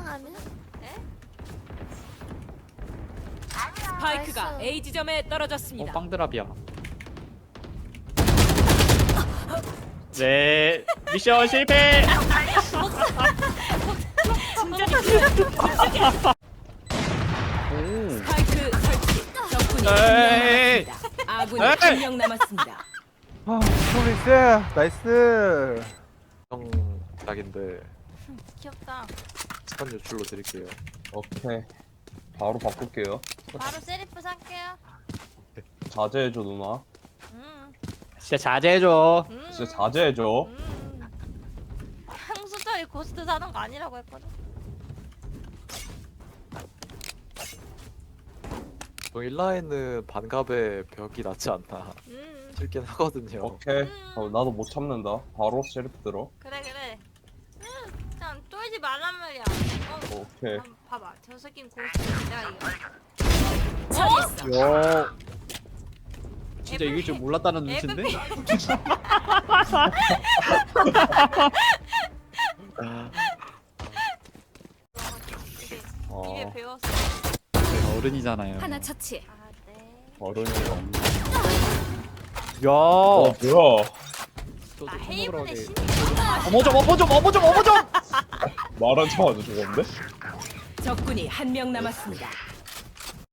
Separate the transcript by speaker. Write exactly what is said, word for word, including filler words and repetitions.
Speaker 1: 아니야?
Speaker 2: 스파이크가
Speaker 1: 나이스.
Speaker 2: A 지점에
Speaker 3: 어
Speaker 2: 떨어졌습니다.
Speaker 3: 빵드랍이야. 네 미션 실패. 오.
Speaker 2: 스파이크 설치. 적군이
Speaker 3: 에이.
Speaker 2: 한명 남았습니다. 아군이
Speaker 3: 에이.
Speaker 2: 한 명 남았습니다.
Speaker 4: 아, 프로미스 나이스.
Speaker 5: 형 닭인데
Speaker 1: 귀엽다.
Speaker 5: 스판 유출로 드릴게요.
Speaker 6: 오케이. 바로 바꿀게요.
Speaker 1: 바로 세리프 살게요.
Speaker 6: 자제해줘 누나.
Speaker 1: 음.
Speaker 3: 진짜 자제해줘.
Speaker 1: 음.
Speaker 6: 진짜 자제해줘.
Speaker 1: 음. 향수자리 고스트 사는 거 아니라고 했거든.
Speaker 5: 형 일라인은 반갑의 벽이 낫지 않나
Speaker 1: 음.
Speaker 5: 싶긴 하거든요.
Speaker 6: 오케이. 어, 나도 못 참는다. 바로 셰리프 들어.
Speaker 1: 그래 그래. 음. 그냥 쫄지 말란 말이야. 어.
Speaker 6: 오케이.
Speaker 1: 한번 봐봐. 저 새끼는 고스트 내가 이겨.
Speaker 2: 처리했어.
Speaker 3: 요. 진짜 이길 줄 몰랐다는 눈치인데?
Speaker 1: 에브비. 이게
Speaker 6: 어,
Speaker 1: 입에 배웠어.
Speaker 3: 제가 어른이잖아요.
Speaker 2: 하나 처치.
Speaker 1: 아 네.
Speaker 6: 어른이 없네.
Speaker 3: 야.
Speaker 6: 어, 뭐야?
Speaker 1: 나 헤이븐의 신.
Speaker 3: 어머 좀 어머 좀 어머 좀 어머 좀.
Speaker 6: 말하자마자 죽었는데?
Speaker 2: 적군이 한 명 남았습니다.